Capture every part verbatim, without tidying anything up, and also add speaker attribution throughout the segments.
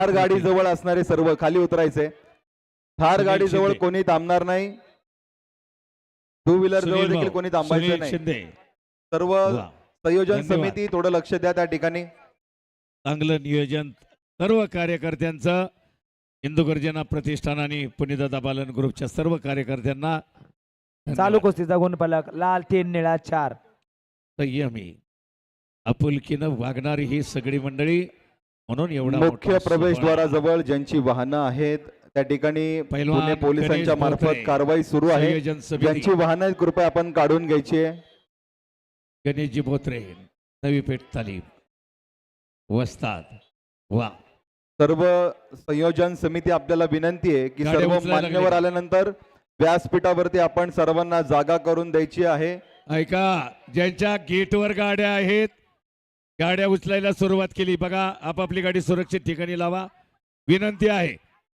Speaker 1: थार गाडी जवळ असणारे सर्व खाली उतरायचे. थार गाडी जवळ कोणी थांबणार नाही. टू व्हीलर जवळ देखील कोणी थांबायचं नाही. सर्व संयोजन समिती थोडं लक्ष द्या त्या ठिकाणी.
Speaker 2: चांगलं नियोजन सर्व कार्यकर्त्यांचं, हिंदू गर्जना प्रतिष्ठान आणि पुण्यदादा बालन ग्रुपच्या सर्व कार्यकर्त्यांना
Speaker 3: चालू कुस्तीचा गुणफलक लाल तीन निळा चार.
Speaker 2: संयमी आपुलकीनं वागणारी ही सगळी मंडळी, म्हणून एवढा
Speaker 1: मुख्य प्रवेशद्वाराजवळ ज्यांची वाहनं आहेत त्या ठिकाणी पुणे पोलिसांच्या मार्फत कारवाई सुरू आहे. ज्यांची वाहनं आहेत कृपया आपण काढून घ्यायची आहे.
Speaker 2: गणेशजी बोत्रे, नवी पेठ तालीम वस्ताद. वा
Speaker 1: सर्व संयोजन समिती आपल्याला विनंती आहे की सर्व मान्यवर आल्यानंतर व्यासपीठावरती आपण सर्वांना जागा करून द्यायची आहे.
Speaker 2: ऐका, ज्यांच्या गेटवर गाड्या आहेत गाड्या उचलायला सुरुवात केली बघा. आपापली गाडी सुरक्षित ठिकाणी लावा, विनंती आहे.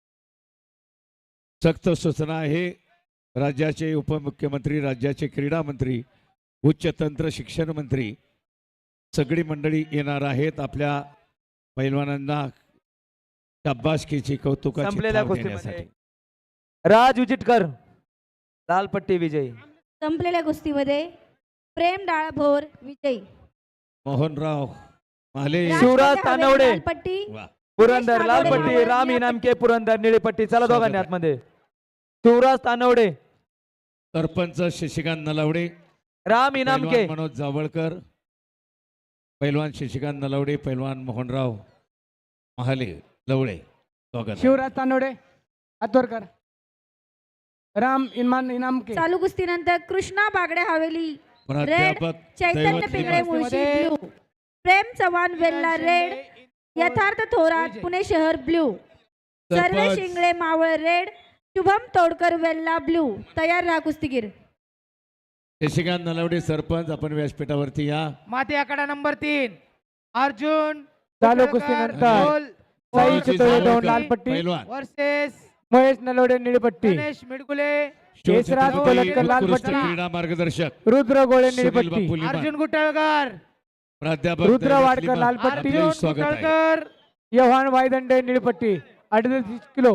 Speaker 2: सक्त सूचना आहे. राज्याचे उपमुख्यमंत्री, राज्याचे क्रीडा मंत्री, उच्च तंत्र शिक्षण मंत्री सगळी मंडळी येणार आहेत. आपल्या पैलवानांना शाबासकीची कौतुकाची थाप देण्यासाठी.
Speaker 3: राज उचिटकर लाल पट्टी विजयी.
Speaker 4: संपलेल्या कुस्तीमध्ये प्रेम डाळभोर विजयी.
Speaker 2: मोहनराव माले,
Speaker 3: शिवराज तानवडे
Speaker 4: पट्टी
Speaker 3: पुरंदर लाल पट्टी, राम इनामके पुरंदर निळी पट्टी. चला दोघांनी आतमध्ये. शिवराज तानवडे,
Speaker 2: सरपंच शशिकांत नलावडे,
Speaker 3: राम इनामके,
Speaker 2: मनोज जावळकर, पैलवान शशिकांत नलावडे, पैलवान मोहनराव महाले लवळे.
Speaker 5: शिवराज तानवडे आतोरकर, राम इनाम इनामके.
Speaker 4: चालू कुस्तीनंतर कृष्णा बागडे हवेली रेड,
Speaker 2: प्राध्यापक
Speaker 4: चैतन्य पिंगळे मुळशी ब्लू, प्रेम चव्हाण वेल्ला रेड, यथार्थ थोरात पुणे शहर blue, Sarve Shingle Maval red, Shubham Todkar Velha blue. तयार राहा कुस्तीगीर.
Speaker 2: शशिकांत नलावडे सरपंच, आपण व्यासपीठावरती या.
Speaker 5: माती आकडा नंबर तीन अर्जुन.
Speaker 3: चालू कुस्तीनंतर साई चितोळे दोन लाल पट्टी
Speaker 2: पैलवान
Speaker 5: वर्सेस
Speaker 3: महेश नलवडे निळी पट्टी,
Speaker 5: गणेश मिडगुले,
Speaker 3: केशराज कोलटकर लाल
Speaker 2: उत्कृष्ट
Speaker 3: पट्टी,
Speaker 2: क्रीडा मार्गदर्शक
Speaker 3: रुद्र गोळे निळी
Speaker 2: सुनील
Speaker 3: पट्टी,
Speaker 2: बापू लिमान,
Speaker 5: अर्जुन गुटळकर,
Speaker 2: प्राध्यापक
Speaker 3: रुद्र
Speaker 2: दैवत
Speaker 3: वाडकर
Speaker 2: लिमान,
Speaker 3: लाल पट्टी,
Speaker 2: आपले
Speaker 5: अर्जुन
Speaker 2: स्वागत आहे.
Speaker 5: गुटळकर,
Speaker 3: यव्हान वायदंडे निळी पट्टी अडतीस किलो.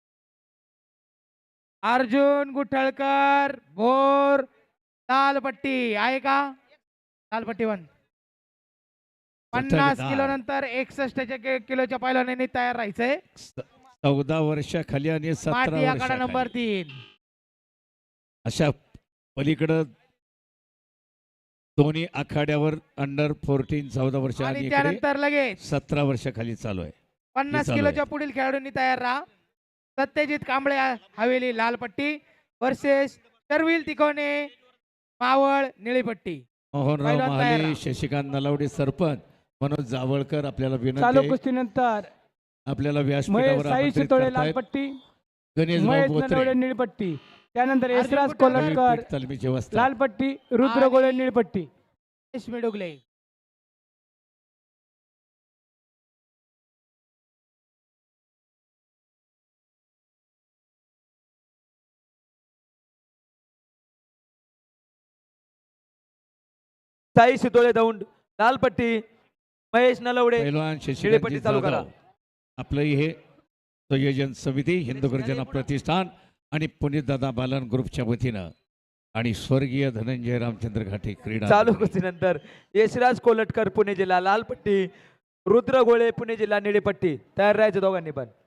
Speaker 5: अर्जुन गुटळकर भोर लाल पट्टी आहे का? लाल पट्टी वन. पन्नास किलो नंतर एकसष्ट किलोच्या पैलवानांनी तयार राहायचंय.
Speaker 2: चौदा वर्षाखाली आणि सतरा
Speaker 5: माती आकडा नंबर
Speaker 2: वर्षाखाली
Speaker 5: तीन.
Speaker 2: अशा पलीकडं दोन्ही आखाड्यावर अंडर फोर्टीन चौदा वर्ष आणि
Speaker 5: आणि
Speaker 2: इकडे
Speaker 5: त्यानंतर लगेच
Speaker 2: सतरा वर्षाखाली चालू आहे.
Speaker 5: पन्नास
Speaker 2: चालू
Speaker 5: किलोच्या
Speaker 2: आहे.
Speaker 5: पुढील खेळाडूंनी तयार राहा. सत्यजित कांबळे हवेली लाल पट्टी वर्सेस शर्विल तिकोने मावळ निळी पट्टी.
Speaker 2: मोहनराव
Speaker 5: पहिलवान तयार
Speaker 2: महाले,
Speaker 5: राहा.
Speaker 2: शशिकांत नलावडे सरपंच, मनोज जावळकर आपल्याला विनंती
Speaker 3: चालू
Speaker 2: आहे.
Speaker 3: कुस्तीनंतर
Speaker 2: आपल्याला
Speaker 3: महेश
Speaker 2: व्यासपीठावर
Speaker 3: साई
Speaker 2: आमंत्रित
Speaker 3: चितोळे लाल
Speaker 2: करतायत.
Speaker 3: पट्टी,
Speaker 2: गणेश
Speaker 3: महेश
Speaker 2: भाऊ
Speaker 3: नलवडे
Speaker 2: बोत्रे,
Speaker 3: निळी पट्टी, त्यानंतर
Speaker 5: अर्जुन
Speaker 3: यशराज
Speaker 5: गुटळकर,
Speaker 3: कोलटकर
Speaker 2: तालमीचे वस्ताद.
Speaker 3: लाल पट्टी, रुद्र गोळे निळी पट्टी.
Speaker 5: गणेश मिडगुले.
Speaker 3: साई शितोळे दौंड लाल पट्टी, महेश नलवडे
Speaker 2: पैलवान
Speaker 3: निळी
Speaker 2: शशिकांत
Speaker 3: पट्टी चालू करा.
Speaker 2: आपलं हे संयोजन समिती हिंदू गर्जना प्रतिष्ठान आणि पुण्यदादा बालन ग्रुपच्या वतीनं आणि स्वर्गीय धनंजय रामचंद्र घाटे क्रीडा
Speaker 3: चालू कुस्तीनंतर यशराज कोलटकर पुणे जिल्हा लाल पट्टी, रुद्र गोळे पुणे जिल्हा निळी पट्टी. तयार राहायचं दोघांनी पण.